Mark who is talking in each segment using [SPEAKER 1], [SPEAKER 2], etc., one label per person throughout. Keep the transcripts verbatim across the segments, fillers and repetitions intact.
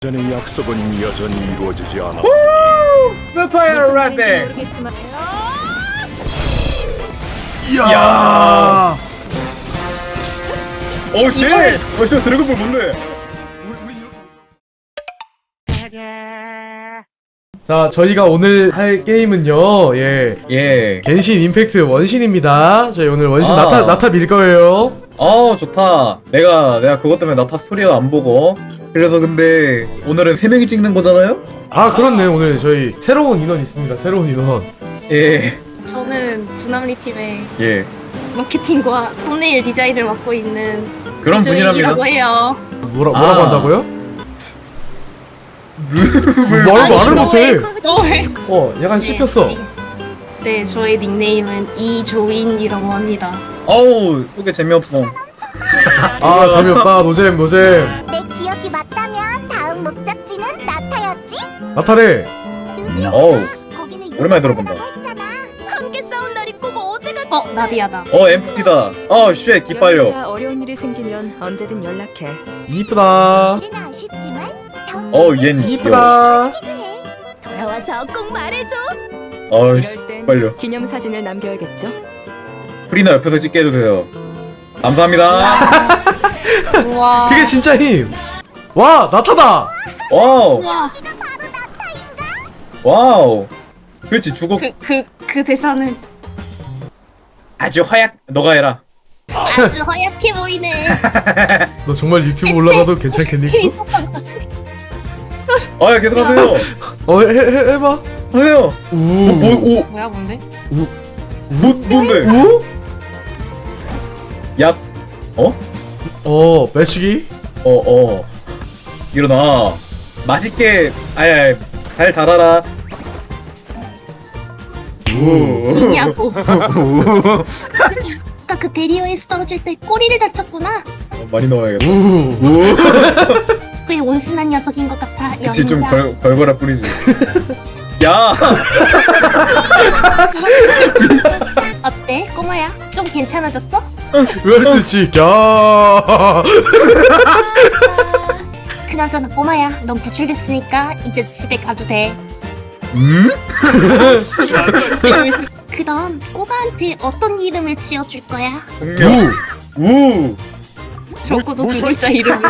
[SPEAKER 1] 전의 약속은 여전히 이루어지지 않았으니
[SPEAKER 2] 스파이럴 라떼.
[SPEAKER 3] 이야.
[SPEAKER 2] 오 쉣! 어 씨, 드래곤볼 뭔데?
[SPEAKER 3] 자, 저희가 오늘 할 게임은요, 예,
[SPEAKER 2] 예.
[SPEAKER 3] 겐신 임팩트 원신입니다. 저희 오늘 원신
[SPEAKER 2] 아.
[SPEAKER 3] 나타 나타 밀 거예요.
[SPEAKER 2] 어 좋다. 내가 내가 그것 때문에 나타 스토리도 안 보고. 그래서 근데 오늘은 세 명이 찍는 거잖아요?
[SPEAKER 3] 아, 그렇네. 오늘 저희 새로운 인원 있습니다. 새로운 인원.
[SPEAKER 2] 예.
[SPEAKER 4] 저는 두남리 팀의
[SPEAKER 2] 예.
[SPEAKER 4] 마케팅과 썸네일 디자인을 맡고 있는
[SPEAKER 2] 그런 분이랍니다.
[SPEAKER 4] 이라고 해요.
[SPEAKER 3] 뭐라 뭐라고
[SPEAKER 2] 아.
[SPEAKER 3] 한다고요? 말도 말을 못해.
[SPEAKER 4] 너왜?
[SPEAKER 3] 어, 약간 씹혔어.
[SPEAKER 4] 네, 저의 닉네임은 이조인이라고 합니다.
[SPEAKER 2] 어우 소개 재미없어.
[SPEAKER 3] 아, 재미없다. 노잼 노잼.
[SPEAKER 5] 내 기억이 맞다면 다음 목적지는 나타였지?
[SPEAKER 3] 나타래.
[SPEAKER 2] 어우
[SPEAKER 5] 거기는
[SPEAKER 2] 오랜만에 들어본다.
[SPEAKER 5] 했잖아. 함께 싸운 날이 꼭 어제가
[SPEAKER 4] 어, 나비야다.
[SPEAKER 2] 어 엠프티다. 어쉣 기빨려.
[SPEAKER 6] 연우가 어려운 일이 생기면 언제든 연락해.
[SPEAKER 3] 이쁘다.
[SPEAKER 5] 우리는 아쉽지만
[SPEAKER 2] 어 얜
[SPEAKER 3] 이쁘다.
[SPEAKER 5] 돌아와서 꼭 말해줘.
[SPEAKER 2] 어이씨
[SPEAKER 6] 이럴 땐
[SPEAKER 2] 빨려.
[SPEAKER 6] 기념 사진을 남겨야겠죠?
[SPEAKER 2] 프리나 옆에서 찍게 해주세요. 감사합니다.
[SPEAKER 4] 우와.
[SPEAKER 3] 그게 진짜 힘. 와, 나타다.
[SPEAKER 2] 와우
[SPEAKER 4] 우와.
[SPEAKER 2] 와우. 그렇지 주고
[SPEAKER 4] 그, 그, 그 대사는
[SPEAKER 2] 아주 허약. 너가 해라.
[SPEAKER 4] 아주 허약해 보이네.
[SPEAKER 3] 너 정말 유튜브 올라가도 괜찮겠니?
[SPEAKER 4] 있었던 거지.
[SPEAKER 2] 아 계속하세요.
[SPEAKER 3] 어, 해, 해, 해봐.
[SPEAKER 2] 하세요.
[SPEAKER 3] 우.
[SPEAKER 2] 뭐오
[SPEAKER 4] 뭐야, 뭔데?
[SPEAKER 2] 뭐, 뭔데?
[SPEAKER 3] 우?
[SPEAKER 2] 얍. 어?
[SPEAKER 3] 어, 매치기?
[SPEAKER 2] 어, 어. 일어나. 맛있게, 아니, 아니, 잘 자라라. 우.
[SPEAKER 4] 이냐고. 아까 그 베리어에서 떨어질 때 꼬리를 다쳤구나.
[SPEAKER 2] 어, 많이 넣어야겠다.
[SPEAKER 3] 우.
[SPEAKER 2] 우.
[SPEAKER 4] 꽤 온순한 녀석인 것 같아.
[SPEAKER 2] 그치, 좀
[SPEAKER 4] 영희야.
[SPEAKER 2] 걸, 걸거라 뿌리지. 야!
[SPEAKER 4] 어때, 꼬마야? 좀 괜찮아졌어?
[SPEAKER 3] 왜 할 수 있지? 야.
[SPEAKER 4] 그나저나 꼬마야, 넌 구출됐으니까 이제 집에 가도 돼.
[SPEAKER 2] 음?
[SPEAKER 4] 그럼 꼬마한테 어떤 이름을 지어줄 거야?
[SPEAKER 2] 공룡. 우.
[SPEAKER 4] 적어도 두 글자 이름을.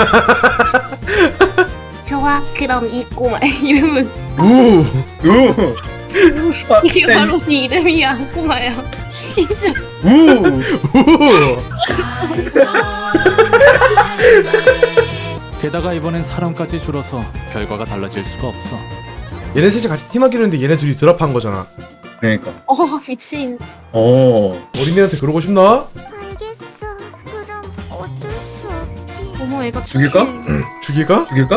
[SPEAKER 4] 좋아, 그럼 이 꼬마의 이름은
[SPEAKER 3] 우.
[SPEAKER 2] 우. 아,
[SPEAKER 4] 이게
[SPEAKER 2] 네.
[SPEAKER 4] 바로 네 이름이야, 꼬마야. 시즌.
[SPEAKER 2] 우.
[SPEAKER 3] 우.
[SPEAKER 7] 게다가 이번엔 사람까지 줄어서 결과가 달라질 수가 없어.
[SPEAKER 3] 얘네 셋이 같이 팀하기로 했는데 얘네 둘이 드랍한 거잖아.
[SPEAKER 2] 그러니까.
[SPEAKER 4] 어, 미친.
[SPEAKER 2] 어.
[SPEAKER 3] 어린애한테 그러고 싶나?
[SPEAKER 5] 알겠어. 그럼 어쩔 수 없지.
[SPEAKER 4] 어머, 애가
[SPEAKER 2] 죽일까?
[SPEAKER 4] 착해.
[SPEAKER 3] 죽일까?
[SPEAKER 2] 죽일까?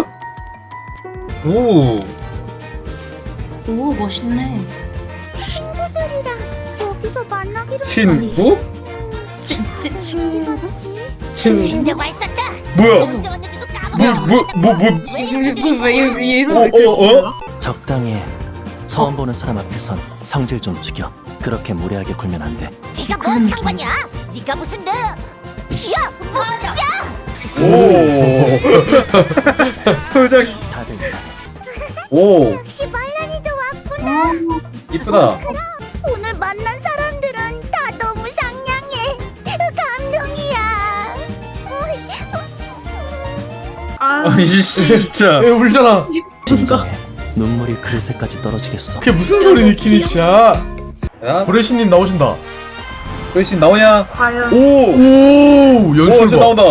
[SPEAKER 2] 오.
[SPEAKER 4] 오, 멋있네.
[SPEAKER 5] 친구들이랑 여기서 만나기로
[SPEAKER 2] 친구?
[SPEAKER 4] 치, 치, 친구.
[SPEAKER 5] 했지.
[SPEAKER 3] 친.
[SPEAKER 5] 진짜가 있었다.
[SPEAKER 2] 뭐야?
[SPEAKER 5] 언제 왔는지도
[SPEAKER 2] 뭐,
[SPEAKER 5] 까먹었다.
[SPEAKER 2] 뭐, 뭐, 뭐.
[SPEAKER 4] 왜왜 이런?
[SPEAKER 2] 어, 어, 어?
[SPEAKER 8] 적당히 해. 처음 보는 사람 앞에선 성질 좀 죽여. 그렇게 무례하게 굴면 안 돼.
[SPEAKER 5] 네가 뭔 상관이야? 네가 무슨 너? 야, 뭐야?
[SPEAKER 2] 오. 표정.
[SPEAKER 8] 다들
[SPEAKER 2] 오.
[SPEAKER 5] 역시 말란이도 왔구나.
[SPEAKER 2] 이쁘다.
[SPEAKER 5] 오늘 만난 사람들은 다 너무 상냥해. 감동이야.
[SPEAKER 2] 아이 진짜.
[SPEAKER 3] 애 울잖아.
[SPEAKER 8] 진정해. 눈물이 그릇에까지 떨어지겠어.
[SPEAKER 3] 그게 무슨 소리니, 키니치야?
[SPEAKER 2] 야,
[SPEAKER 3] 브레시님 나오신다.
[SPEAKER 2] 글씨 나오냐?
[SPEAKER 4] 과연.
[SPEAKER 2] 오.
[SPEAKER 3] 오,
[SPEAKER 2] 오,
[SPEAKER 3] 연출
[SPEAKER 2] 이제
[SPEAKER 3] 봐.
[SPEAKER 2] 나온다.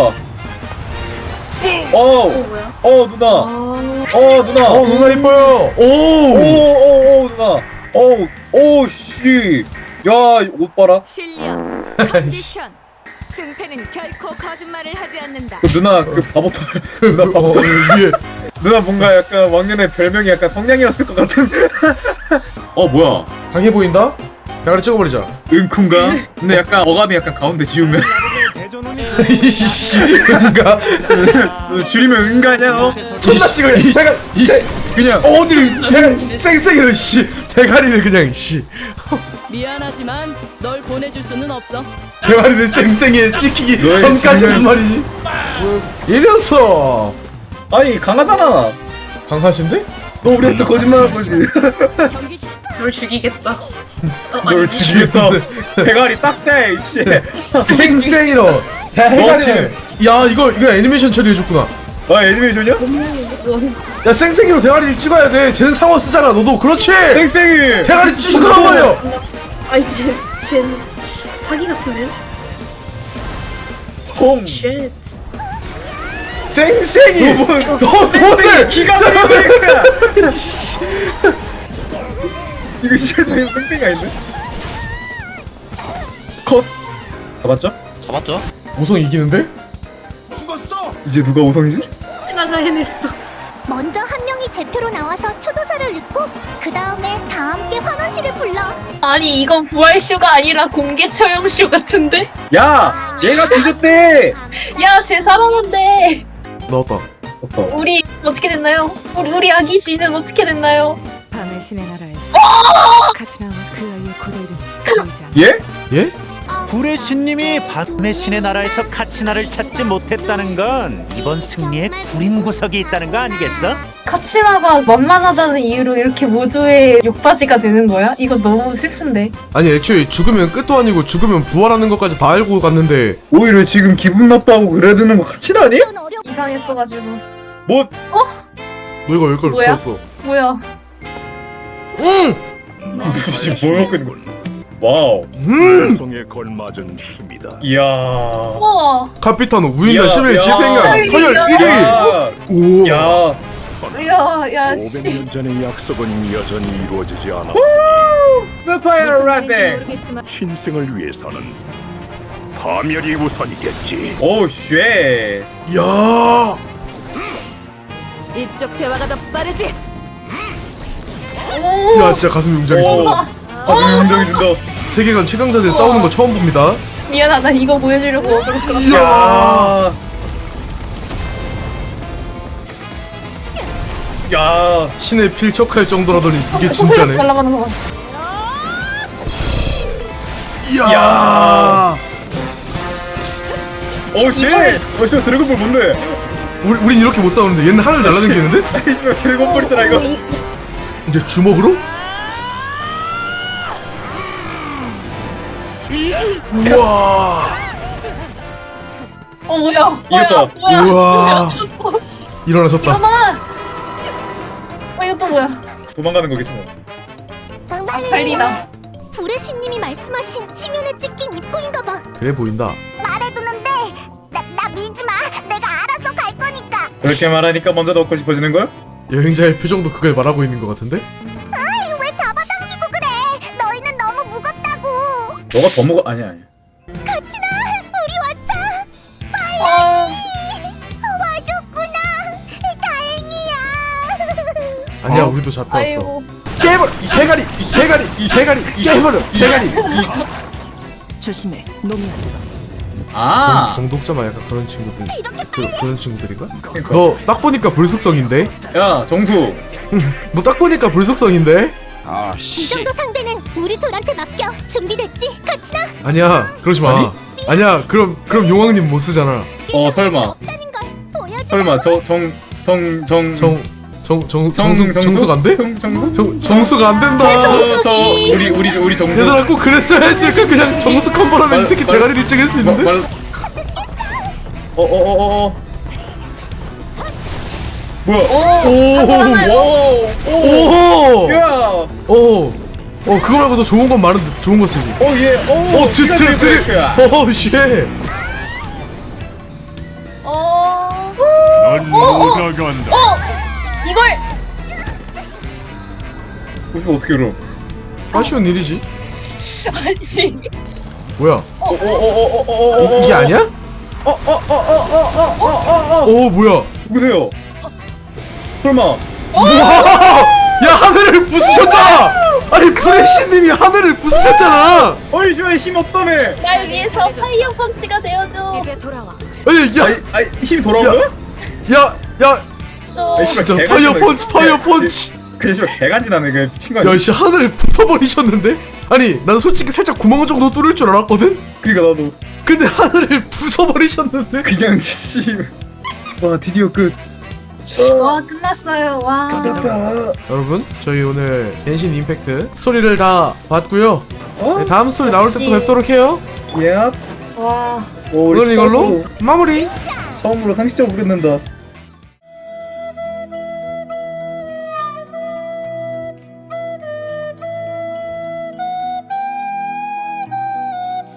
[SPEAKER 2] 어.
[SPEAKER 4] 뭐야?
[SPEAKER 2] 어, 누나.
[SPEAKER 4] 아,
[SPEAKER 2] 어, 누나.
[SPEAKER 3] 어, 누나 이뻐요.
[SPEAKER 2] 오,
[SPEAKER 3] 오.
[SPEAKER 2] 오, 오, 누나. 오, 오, 씨. 야, 옷 봐라.
[SPEAKER 6] 실력, 컨디션, 승패는 결코 거짓말을 하지 않는다.
[SPEAKER 2] 그 누나 그 바보털. 누나
[SPEAKER 3] 어,
[SPEAKER 2] 바보털.
[SPEAKER 3] 위에.
[SPEAKER 2] 누나 뭔가 약간 왕년의 별명이 약간 성냥이었을 것 같은. 어, 뭐야?
[SPEAKER 3] 강해 보인다? 대가리 찍어버리자.
[SPEAKER 2] 은쿤가? 근데 약간 어감이 약간 가운데 지우면
[SPEAKER 3] 이씨, 뭔가.
[SPEAKER 2] 줄이면 은가냐 너?
[SPEAKER 3] 존나 찍어야. 잠깐, 이씨.
[SPEAKER 2] 그냥
[SPEAKER 3] 어디를 대가리 쌩쌩이를 씨. 대가리를 그냥 씨.
[SPEAKER 6] 미안하지만 널 보내줄 수는 없어.
[SPEAKER 3] 대가리를 쌩쌩이에 찍히기
[SPEAKER 2] 너의
[SPEAKER 3] 전까지는
[SPEAKER 2] 지금-
[SPEAKER 3] 말이지. 이랬어.
[SPEAKER 2] 아니 강하잖아.
[SPEAKER 3] 강하신데?
[SPEAKER 2] 너 우리한테 거짓말한 거지.
[SPEAKER 6] 경기 시
[SPEAKER 4] 널 죽이겠다.
[SPEAKER 2] 널 죽이겠다. 대가리 딱대 이씨.
[SPEAKER 3] 쌩쌩이로
[SPEAKER 2] 너
[SPEAKER 3] 대가리를. 야 이거 이거 애니메이션 처리해줬구나.
[SPEAKER 2] 아 애니메이션이야?
[SPEAKER 3] 야 쌩쌩이로 대가리를 찍어야 돼. 쟤는 상어 쓰잖아. 너도 그렇지.
[SPEAKER 2] 땡땡이.
[SPEAKER 3] 대가리 찍으란 말이야.
[SPEAKER 4] 아니 쟤, 쟤 사기 같은데?
[SPEAKER 2] 콩.
[SPEAKER 4] 쉣.
[SPEAKER 3] 쌩쌩이.
[SPEAKER 2] 너 뭐-
[SPEAKER 3] 너 뭔데?
[SPEAKER 2] 기가 막히니까. 이거 진짜 땡땡이 아닌데? 컷. 잡았죠?
[SPEAKER 3] 오성 이기는데?
[SPEAKER 2] 이제 누가 우성이지?
[SPEAKER 4] 나가 해냈어.
[SPEAKER 5] 먼저 한 명이 대표로 나와서 초도사를 읽고 그 다음에 다 함께 환원시를 불러.
[SPEAKER 4] 아니 이건 부활쇼가 아니라 공개 처형쇼 같은데?
[SPEAKER 2] 야, 얘가 뒤졌대.
[SPEAKER 4] 야 쟤 살아난대.
[SPEAKER 3] 나왔다.
[SPEAKER 2] 오빠.
[SPEAKER 4] 우리 어떻게 됐나요? 우리 우리 아기 씨는 어떻게 됐나요?
[SPEAKER 6] 밤의 신의 나라에서 카츠나와 그 아이의 고래를 보이지 않아.
[SPEAKER 2] 예?
[SPEAKER 3] 예?
[SPEAKER 8] 불의 신님이 밤의 신의 나라에서 카치나를 찾지 못했다는 건 이번 승리에 구린 구석이 있다는 거 아니겠어?
[SPEAKER 4] 카치나가 만만하다는 이유로 이렇게 모두의 욕바지가 되는 거야? 이거 너무 슬픈데.
[SPEAKER 3] 아니 애초에 죽으면 끝도 아니고 죽으면 부활하는 것까지 다 알고 갔는데
[SPEAKER 2] 오히려 지금 기분 나빠하고 그래야 되는 거 같이 나니?
[SPEAKER 5] 이건 어려.
[SPEAKER 4] 이상했어가지고.
[SPEAKER 2] 뭐?
[SPEAKER 3] 너 이거 여기까지
[SPEAKER 4] 뭐야?
[SPEAKER 3] 들었어.
[SPEAKER 4] 뭐야?
[SPEAKER 3] 응!
[SPEAKER 2] 지금 뭘 먹고 있는 거야? 와우.
[SPEAKER 3] 음!
[SPEAKER 1] 성에 걸맞은 힘이다.
[SPEAKER 2] 이야.
[SPEAKER 4] 우와.
[SPEAKER 3] 카피타노 우인단
[SPEAKER 2] 야,
[SPEAKER 3] 십일
[SPEAKER 2] 야.
[SPEAKER 3] 집행관 서열
[SPEAKER 4] 야.
[SPEAKER 3] 일 위!
[SPEAKER 2] 야.
[SPEAKER 3] 오!
[SPEAKER 2] 야.
[SPEAKER 4] 야, 야,
[SPEAKER 1] 오백
[SPEAKER 4] 씨.
[SPEAKER 1] 년 전의 약속은 여전히 이루어지지 않았으니
[SPEAKER 2] 스파이어
[SPEAKER 6] 무슨 말인지
[SPEAKER 2] 라데.
[SPEAKER 6] 모르겠지만
[SPEAKER 1] 신생을 위해서는 파멸이 우선이겠지.
[SPEAKER 2] 오 쉣.
[SPEAKER 3] 야!
[SPEAKER 6] 이쪽 대화가 더 빠르지.
[SPEAKER 3] 야 진짜 가슴이 웅장해진다.
[SPEAKER 2] 가슴이 웅장해진다.
[SPEAKER 3] 세계관 최강자들 싸우는 거 처음 봅니다.
[SPEAKER 4] 미안하다. 이거 보여주려고 어그로 끌었다.
[SPEAKER 3] 이야!
[SPEAKER 2] 야.
[SPEAKER 3] 신의 필적할 정도라더니 이게 진짜네.
[SPEAKER 4] 날아가는 거 봐.
[SPEAKER 3] 이야!
[SPEAKER 2] 오 쉣.
[SPEAKER 4] 이걸-
[SPEAKER 2] 어 씨, 드래곤볼 뭔데?
[SPEAKER 3] 우리 우린 이렇게 못 싸우는데 얘는 하늘 날아다니는데?
[SPEAKER 2] 아이 씨, 드래곤볼이잖아 이거.
[SPEAKER 4] 이-
[SPEAKER 3] 이제 주먹으로? 우와!
[SPEAKER 4] 어 뭐야? 뭐야?
[SPEAKER 2] 이겼다.
[SPEAKER 4] 뭐야?
[SPEAKER 3] 우와.
[SPEAKER 4] 뭐야? 졌어.
[SPEAKER 3] 일어나셨다.
[SPEAKER 4] 잠깐만. 어 이거 또 뭐야?
[SPEAKER 2] 도망가는 거겠지 뭐.
[SPEAKER 4] 달리다.
[SPEAKER 5] 불의 신님이 말씀하신 치면에 찍힌 입구인가 봐.
[SPEAKER 3] 그래 보인다.
[SPEAKER 5] 말해두는데 나, 나 밀지 마. 내가 알아서 갈 거니까.
[SPEAKER 2] 그렇게 말하니까 먼저 넣고 싶어지는 걸?
[SPEAKER 3] 여행자의 표정도 그걸 말하고 있는 것 같은데?
[SPEAKER 5] 아이 왜 잡아당기고 그래. 너희는 너무 무겁다고.
[SPEAKER 2] 너가 더 먹어. 아니야 아니야.
[SPEAKER 5] 카치나 우리 왔어.
[SPEAKER 4] 어.
[SPEAKER 5] 와줬구나. 다행이야.
[SPEAKER 3] 아니야
[SPEAKER 2] 어?
[SPEAKER 3] 우리도 잡혀왔어.
[SPEAKER 4] 아이고.
[SPEAKER 3] 깨버려! 이 대가리! 이 대가리! 이 대가리! 깨버려! 대가리!
[SPEAKER 6] 조심해. 놈이 왔어.
[SPEAKER 2] 아.
[SPEAKER 3] 공독자만 약간 그런 친구들 그, 그런 친구들인가?
[SPEAKER 2] 그러니까.
[SPEAKER 3] 너 딱 보니까 불속성인데?
[SPEAKER 2] 야 정수.
[SPEAKER 3] 너 딱 보니까 불속성인데?
[SPEAKER 5] 이 정도 상대는 우리 둘한테 맡겨. 준비됐지, 카치나?
[SPEAKER 3] 아니야 그러지 마
[SPEAKER 2] 아니?
[SPEAKER 3] 아니야 그럼 그럼 용왕님 못 쓰잖아.
[SPEAKER 2] 어 설마.
[SPEAKER 5] 없다는 걸 보여주라고.
[SPEAKER 2] 설마 저 정 정 정
[SPEAKER 3] 정 정 정
[SPEAKER 2] 정-
[SPEAKER 3] 정수 정수가 안 돼?
[SPEAKER 2] 정 정수?
[SPEAKER 3] 정 정수가 안 된다.
[SPEAKER 2] 저, 저 우리 우리 우리 정수.
[SPEAKER 3] 얘들아 꼭 그랬어야 했을까? 그냥 정수 컴보라면 이 새끼
[SPEAKER 2] 말-
[SPEAKER 3] 대가리를 찍을 수 있는데?
[SPEAKER 2] 어어어어 어. 뭐야?
[SPEAKER 3] 오오오
[SPEAKER 2] 오.
[SPEAKER 3] 오!
[SPEAKER 2] 야.
[SPEAKER 3] 오! 어 그거 말고 더 좋은 건 많은데 좋은 거 쓰지.
[SPEAKER 2] 오 예. 오.
[SPEAKER 3] 어 드, 드, 드, 오 쉣!
[SPEAKER 4] 어.
[SPEAKER 1] 넌못 나간다.
[SPEAKER 4] 어. 이걸.
[SPEAKER 2] 이거 어떻게 알아?
[SPEAKER 3] 아쉬운 일이지.
[SPEAKER 4] 아씨.
[SPEAKER 3] 뭐야?
[SPEAKER 2] 어어어어어어.
[SPEAKER 3] 이, 이게 아니야?
[SPEAKER 2] 어어어어어어어어.
[SPEAKER 3] 오 뭐야?
[SPEAKER 2] 누구세요? 설마.
[SPEAKER 3] 야 하늘을 부수셨잖아! 아니 프레시님이 하늘을 부수셨잖아!
[SPEAKER 2] 어이 씨발 힘 없다며.
[SPEAKER 4] 날 위해서 파이어 펀치가 되어줘.
[SPEAKER 6] 이제 돌아와.
[SPEAKER 3] 아니 야!
[SPEAKER 2] 아이 아이 힘 돌아온
[SPEAKER 3] 야.
[SPEAKER 2] 거야?
[SPEAKER 3] 야! 야!
[SPEAKER 4] 줘.
[SPEAKER 2] 아이,
[SPEAKER 3] 진짜
[SPEAKER 2] 개간지나,
[SPEAKER 3] 파이어
[SPEAKER 2] 이거.
[SPEAKER 3] 펀치 파이어
[SPEAKER 2] 야,
[SPEAKER 3] 펀치!
[SPEAKER 2] 그래 씨발 개간지 나네 그 미친 거 아니야?
[SPEAKER 3] 야씨 하늘을 부숴버리셨는데? 아니 난 솔직히 살짝 구멍 정도 뚫을 줄 알았거든?
[SPEAKER 2] 그러니까 나도
[SPEAKER 3] 근데 하늘을 부숴버리셨는데?
[SPEAKER 2] 그냥 씨. 와 드디어 끝.
[SPEAKER 4] 와 끝났어요. 와.
[SPEAKER 2] 끝났다.
[SPEAKER 3] 여러분 저희 오늘 겐신 임팩트 스토리를 다 봤고요.
[SPEAKER 2] 어?
[SPEAKER 3] 네, 다음 스토리 나올 때 또
[SPEAKER 4] 역시.
[SPEAKER 3] 뵙도록 해요.
[SPEAKER 2] 예.
[SPEAKER 4] 와.
[SPEAKER 2] 오, 우리
[SPEAKER 3] 오늘 이걸로
[SPEAKER 2] 처음으로,
[SPEAKER 3] 마무리.
[SPEAKER 2] 처음으로 상식적으로 끝낸다.